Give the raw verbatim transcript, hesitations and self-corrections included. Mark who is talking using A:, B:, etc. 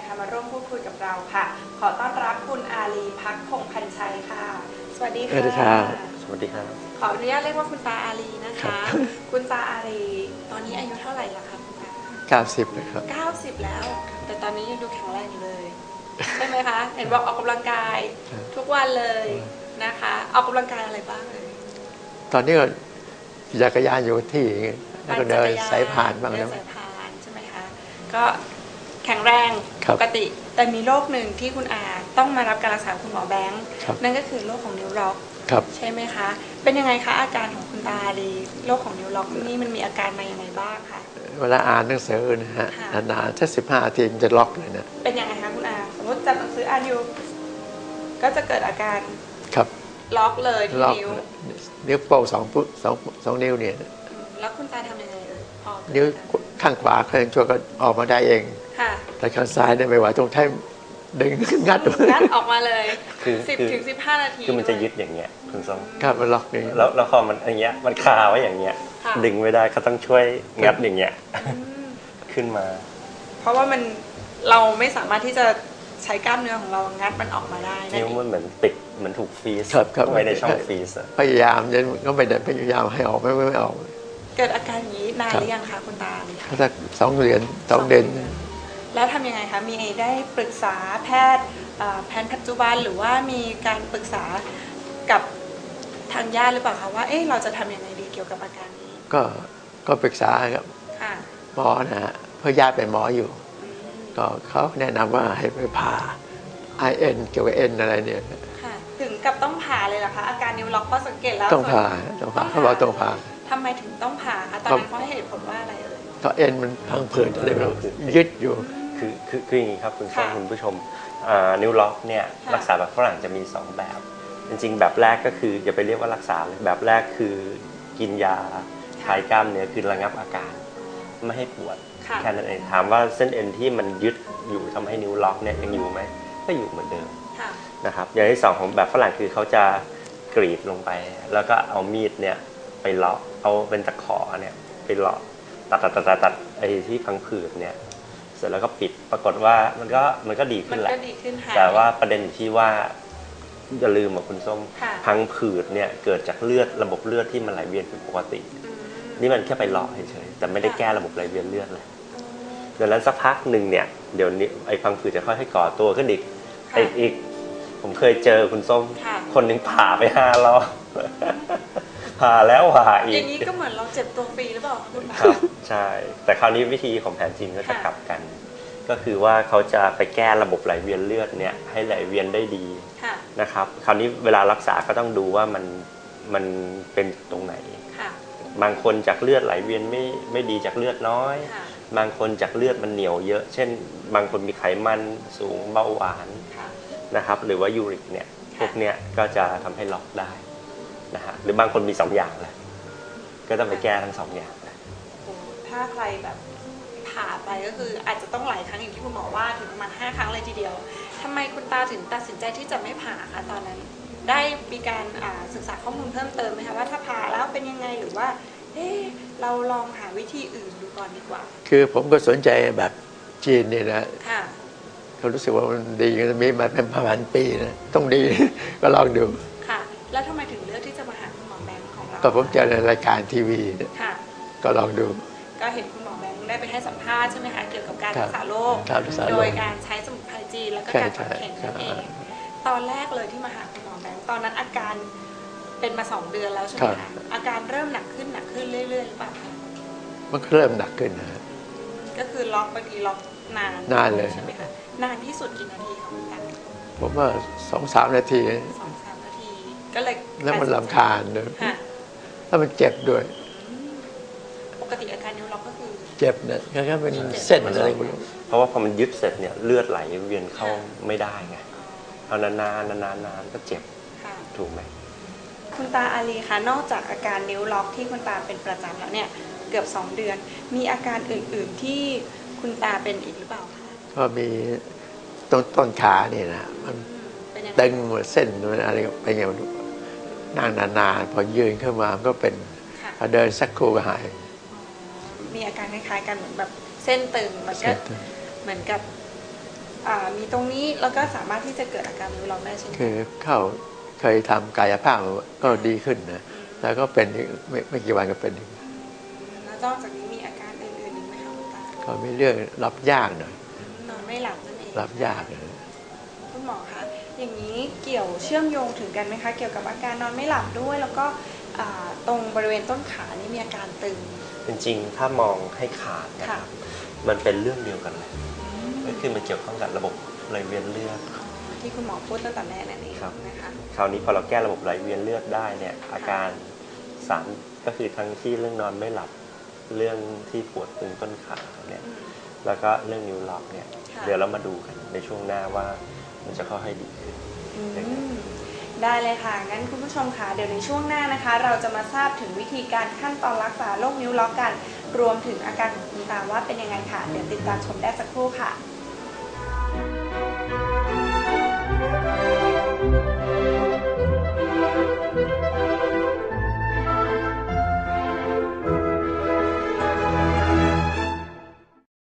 A: นะคะมาร่วมพูดคุยกับเราค่ะขอต้อนรับคุณอาลีพักพงษ์พันชัยค่ะสวัสดีค่ะ
B: สวัสดีครับ
C: สวัสดีครับ
A: ขออนุญาตเรียกว่าคุณตาอาลีนะคะคุณตาอาลีตอนนี้อายุเท่าไหร่ละคะคุณตา
B: เก้าสิบเลยครับ
A: เก้าสิบแล้วแต่ตอนนี้ยังดูแข็งแรงอยู่เลยใช่ไหมคะเห็นบอกออกกำลังกายทุกวันเลยนะคะออกกำลังกายอะไรบ้างเลย
B: ตอนนี้ก็จักรยานอยู่ที่แล้วก็เดินสายผ่านบ้างนะ
A: สายผ่านใช่ไหมคะก็แข็งแรง
B: ป
A: กติแต่มีโรคหนึ่งที่คุณอาต้องมารับการรักษาคุณหมอแบงค์นั่นก็คือโรคของนิ้วล็อกใช่ไหมคะเป็นยังไงคะอาการของคุณตาดีโรคของนิ้วล็อกนี่มันมีอาการมายังไงบ้างคะ
B: เวลาอ่านหนังสือนะฮะนานๆถ้าสิบห้านาทีมันจะล็อกเลยนะ
A: เป็นยังไงคะคุณอาสมมติจับหนังสืออ่านอยู่ก็จะเกิดอาการ
B: ครับ
A: ล็อกเลยที่นิ้ว
B: นิ้วโป้งสองสองสองนิ้วเนี่ย
A: แล้วคุณตาทำยังไงเอ่ยพอ
B: นิ้วข้างขวาข้างชั่วก็ออกมาได้เองแต่ข้างซ้ายเนี่ยไม่ไหวตรงแท่ดึงงัด
A: งัดออกมาเลยสิบถึงสิบห้านาที
C: คือมันจะยึดอย่างเงี้ยคุณส้ม
B: ครับมันล็อกนี่
C: แล้วแล้วพอมันอย่างเงี้ยมันคาไว้อย่างเงี้ยดึงไม่ได้เขาต้องช่วยงัดอย่างเงี้ยขึ้นมา
A: เพราะว่ามันเราไม่สามารถที่จะใช้กล้ามเนื้อของเรางัดมันออกมาได้
C: นิ้วมันเหมือนติดเหมือนถูกฟรีซไว้ในช่องฟรีซ
B: พยายามยันก็ไม่ได้พยายามให้ออกไม่ไม่ออก
A: เกิดอาการนี้นานหรือยังคะคุณตา
B: สักสองเดือนสองเดือน
A: แล้วทำยังไงคะมีได้ปรึกษาแพทย์แพทย์ปัจจุบันหรือว่ามีการปรึกษากับทางญาติหรือเปล่าคะว่าเอ๊ะเราจะทำยังไงดีเกี่ยวกับอาการนี้
B: ก็ก็ปรึกษากับหมอนะฮะเพราะญาติเป็นหมออยู่ก็เขาแนะนำว่าให้ไปผ่า ไอ เอ็น เกี่ยวกับเอ็นอะไรเนี่ย
A: ถึงกับต้องผ่าเลยเหรอคะอาการนิ้วล็อกเพราะสังเกตแล้ว
B: ต้องผ่าต้องผ่าเขาบอกต้องผ่า
A: ทำไมถึงต้องผ่าคะตอนนั้นเขาให้เหตุผลว่าอะไรเอ่ย
B: ก็เอ็นมันพังผืดอะไรแบบยึดอยู่
C: คือคือคืออย่างนี้ครับคุณผู้ชมคุณผู้ชมนิ้วล็อกเนี่ยรักษาแบบฝรั่งจะมีสองแบบจริงๆแบบแรกก็คืออย่าไปเรียกว่ารักษาเลยแบบแรกคือกินยาคลายกล้ามเนื้อคือระงับอาการไม่ให้ปวดแค่นั้นเองถามว่าเส้นเอ็นที่มันยึดอยู่ทำให้นิ้วล็อกเนี่ยยังอยู่ไหมก็อยู่เหมือนเดิมนะครับอย่างที่สองของแบบฝรั่งคือเขาจะกรีดลงไปแล้วก็เอามีดเนี่ยไปเลาะเอาเป็นตะขอเนี่ยไปเลาะตัดตัดตัดตัดไอ้ที่พังผืดเนี่ยเสร็จแล้วก็ปิดปรากฏว่ามันก็มันก็ดีขึ้นแหละแต่ว่าประเด็นอยู่ที่ว่าอย่าลืมว่าคุณส้มพังผืดเนี่ยเกิดจากเลือดระบบเลือดที่มันไหลเวียนผิดปกตินี่มันแค่ไปเลาะเฉยๆแต่ไม่ได้แก้ระบบไหลเวียนเลือดเลยดังนั้นสักพักหนึ่งเนี่ยเดี๋ยวนี้ไอ้พังผืดจะค่อยๆก่อตัวขึ้นอีกอีกอีกผมเคยเจอคุณส้มคนหนึ่งผ่าไปห้ารอบผ่าแล้วผ่าอีก
A: อย่างนี้ก็เหมือนเราเจ็บตัวฟรีหรือเปล่าคุณ
C: ครับใช่แต่คราวนี้วิธีของแผนจีนก็จะกลับกันก็คือว่าเขาจะไปแก้ระบบไหลเวียนเลือดเนี่ยให้ไหลเวียนได้ดีนะครับคราวนี้เวลารักษาก็ต้องดูว่ามันมันเป็นตรงไหนบางคนจากเลือดไหลเวียนไม่ไม่ดีจากเลือดน้อยบางคนจากเลือดมันเหนียวเยอะเช่นบางคนมีไขมันสูงเบาหวานนะครับหรือว่ายูริกเนี่ยพวกเนี้ยก็จะทำให้ล็อกได้นะฮะหรือบางคนมีสองอย่างเลยก็ต้องไปแก้ทั้งสองอย่าง
A: ถ้าใครแบบผ่าไปก็คืออาจจะต้องหลายครั้งอย่างที่คุณหมอว่าถึงประมาณห้าครั้งเลยทีเดียวทำไมคุณตาถึงตัดสินใจที่จะไม่ผ่าคะตอนนั้นได้มีการศึกษาข้อมูลเพิ่มเติมไหมคะว่าถ้าผ่าแล้วเป็นยังไงหรือว่าเอ๊ะเราลองหาวิธีอื่นดูก่อนดีกว่า
B: คือผมก็สนใจแบบจีนนี่นะเขารู้สึกว่ามันดีกันมีมาเป็นพันปีนะต้องดีก็ลองดู
A: ค่ะแล้วทำไมถึงเลือกที่จะมาหาคุณหมอแบงค์ของเรา
B: ก็ผมเจอในรายการทีวีก็ลองดู
A: ก็เห็นคุณหมอแบงค์ได้ไปให้สัมภาษณ์ใช่ไหมคะเกี่ยวกับการรักษาโรคโดยการใช้สมุนไพรจีนแล้วก็การฝังเข็มนั่นเองตอนแรกเลยที่มาหาคุณหมอแบงค์ตอนนั้นอาการเป็นมาสองเดือนแล้วใช่ไหมคะอาการเริ่มหนักขึ้นหนักขึ้นเรื่อยๆหรือเปล่าคะ
B: มันเริ่มหนักขึ้นนะ
A: ก็คือล็อกบางทีล็อกนาน
B: นานเลย
A: ใช่ไหมคะนานที่สุดกี่นาทีคะคุณตา
B: ผมว่าสองสามนาที
A: สองสามนาทีก็เลย
B: แล้วมันรำคาญเลยแล้วมันเจ็บด้วย
A: ปกติอาการนิ้วล็อกก็คือ
B: เจ็บเนี่ยแค่เป็นเส้นอะไรไม่รู้
C: เพราะว่าพอมันยึดเสร็จเนี่ยเลือดไหลเวียนเข้าไม่ได้ไงเอานานๆนานๆก็เจ็บถูกไหม
A: คุณตาอาลีคะนอกจากอาการนิ้วล็อกที่คุณตาเป็นประจำแล้วเนี่ยเกือบสองเดือนมีอาการอื่นๆที่คุณตาเป็นอีกหรือเปล่าคะ
B: ก็มีต้นต้นขาเนี่ยนะมันตึงหมดเส้นมันอะไรไปไงมันนั่งนานๆพอยืนขึ้นมาก็เป็นพอเดินสักครู่ก็หาย
A: มีอาการคล้ายๆกันเหมือนแบบเส้นตึงมันก็เหมือนกับอ่ามีตรงนี้แล้วก็สามารถที่จะเกิดอาการนิ้วล็อกได้ใช่ไหม
B: คือเข้าเคยทำกายภาพก็ดีขึ้นนะแล้วก็เป็นไม่ไม่กี่วันก็เป็นอีก
A: แล้วนอกจากนี้มีอาการอื่นๆอีกไหมคะคุณตา
B: ก็มีเรื่องรับยากหน่อย
A: นอนไม่หลับนั่นเอง
B: รับยากนะ
A: คุณหมอคะอย่างนี้เกี่ยวเชื่อมโยงถึงกันไหมคะเกี่ยวกับอาการนอนไม่หลับด้วยแล้วก็อ่าตรงบริเวณต้นขานี่มีอาการตึง
C: จริงๆถ้ามองให้ขาดนะครับ มันเป็นเรื่องเดียวกันเลยก็คือมันเกี่ยวข้องกับระบบไหลเวียนเลือด
A: ที่คุณหมอพูดตั้งแต่แรกนั่นเอง
C: ครับ
A: นะคะ
C: คราวนี้พอเราแก้ระบบไหลเวียนเลือดได้เนี่ยอาการสามก็คือทั้งที่เรื่องนอนไม่หลับเรื่องที่ปวดตึงต้นขาเนี่ย
A: อืม
C: แล้วก็เรื่องนิ้วล็อกเนี่ย
A: ค่ะ
C: เดี๋ยวเรามาดูกันในช่วงหน้าว่ามันจะค่อยๆดีขึ้น
A: อืมได้เลยค่ะ งั้นคุณผู้ชมค่ะเดี๋ยวในช่วงหน้านะคะ เราจะมาทราบถึงวิธีการขั้นตอนรักษาโรคนิ้วล็อกกัน รวมถึงอาการของคุณตาว่าเป็นยังไงค่ะ เดี๋ยวติดตามชมได้สักครู่ค่ะ